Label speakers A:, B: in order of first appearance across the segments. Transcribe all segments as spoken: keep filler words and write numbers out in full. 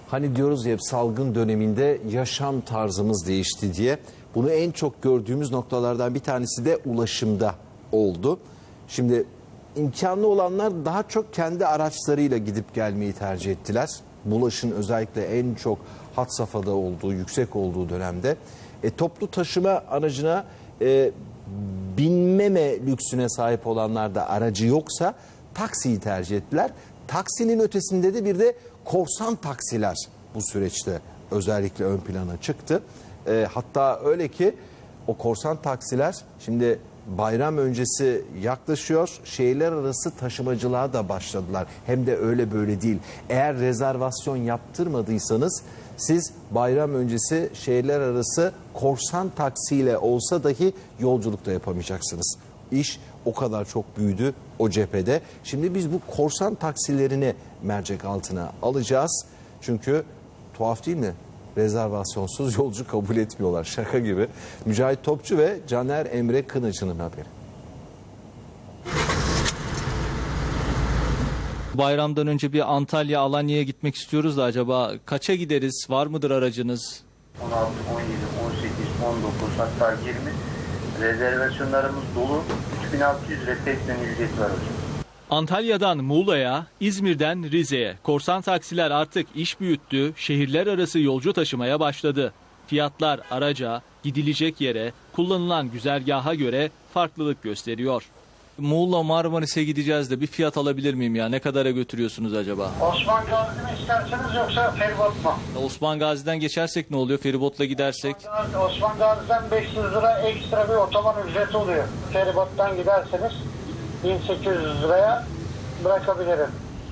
A: Hani diyoruz ya hep salgın döneminde yaşam tarzımız değişti diye. Bunu en çok gördüğümüz noktalardan bir tanesi de ulaşımda oldu. Şimdi imkanlı olanlar daha çok kendi araçlarıyla gidip gelmeyi tercih ettiler. Bulaşın özellikle en çok had safhada olduğu, yüksek olduğu dönemde. E, toplu taşıma aracına e, binmeme lüksüne sahip olanlar da aracı yoksa taksiyi tercih ettiler. Taksinin ötesinde de bir de korsan taksiler bu süreçte özellikle ön plana çıktı. E, hatta öyle ki o korsan taksiler şimdi bayram öncesi yaklaşıyor. Şehirler arası taşımacılığa da başladılar. Hem de öyle böyle değil. Eğer rezervasyon yaptırmadıysanız siz bayram öncesi şehirler arası korsan taksiyle olsa dahi yolculuk da yapamayacaksınız. İş o kadar çok büyüdü o cephede. Şimdi biz bu korsan taksilerini mercek altına alacağız. Çünkü tuhaf değil mi? Rezervasyonsuz yolcu kabul etmiyorlar. Şaka gibi. Mücahit Topçu ve Caner Emre Kınıcı'nın haberi.
B: Bayramdan önce bir Antalya, Alanya'ya gitmek istiyoruz da acaba kaça gideriz? Var mıdır aracınız?
C: on altı, on yedi, on sekiz, on dokuz hatta yirmi rezervasyonlarımız dolu. üç bin altı yüz lira teslim ücreti var hocam.
B: Antalya'dan Muğla'ya, İzmir'den Rize'ye korsan taksiler artık iş büyüttü, şehirler arası yolcu taşımaya başladı. Fiyatlar araca, gidilecek yere, kullanılan güzergaha göre farklılık gösteriyor. Muğla Marmaris'e gideceğiz de bir fiyat alabilir miyim ya? Ne kadara götürüyorsunuz acaba?
D: Osman Gazi mi isterseniz yoksa feribot mu?
B: Osman Gazi'den geçersek ne oluyor? Feribotla gidersek?
D: Osman Gazi'den beş yüz lira ekstra bir otoban ücreti oluyor. Feribottan giderseniz bin sekiz yüz liraya bırakabilirim.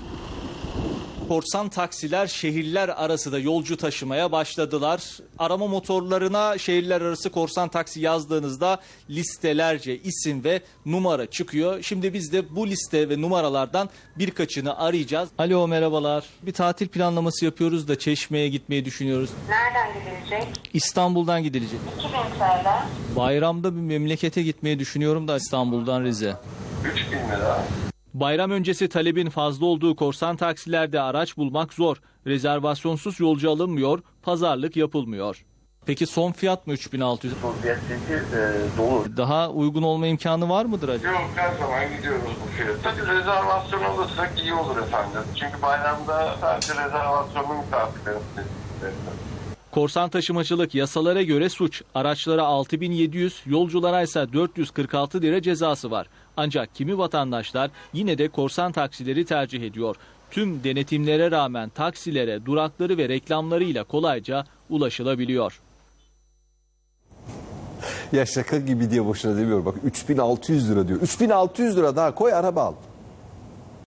B: Korsan taksiler şehirler arası da yolcu taşımaya başladılar. Arama motorlarına şehirler arası korsan taksi yazdığınızda listelerce isim ve numara çıkıyor. Şimdi biz de bu liste ve numaralardan birkaçını arayacağız. Alo, merhabalar. Bir tatil planlaması yapıyoruz da Çeşme'ye gitmeyi düşünüyoruz.
E: Nereden gidilecek?
B: İstanbul'dan gidilecek.
E: iki bin T L.
B: Bayramda bir memlekete gitmeyi düşünüyorum da İstanbul'dan Rize.
C: üç bin lira.
B: Bayram öncesi talebin fazla olduğu korsan taksilerde araç bulmak zor. Rezervasyonsuz yolcu alınmıyor, pazarlık yapılmıyor. Peki son fiyat mı üç bin altı yüz?
C: Son fiyat çünkü e, dolu.
B: Daha uygun olma imkanı var mıdır acaba?
F: Yok, her zaman gidiyoruz bu fiyata. Tabii rezervasyon alırsak iyi olur efendim. Çünkü bayramda sadece rezervasyonlu misafirlerimiz.
B: Korsan taşımacılık yasalara göre suç. Araçlara altı bin yedi yüz, yolculara ise dört yüz kırk altı lira cezası var. Ancak kimi vatandaşlar yine de korsan taksileri tercih ediyor. Tüm denetimlere rağmen taksilere durakları ve reklamlarıyla kolayca ulaşılabiliyor.
A: Ya şaka gibi diye boşuna demiyorum. Bak üç bin altı yüz lira diyor. üç bin altı yüz lira daha koy araba al.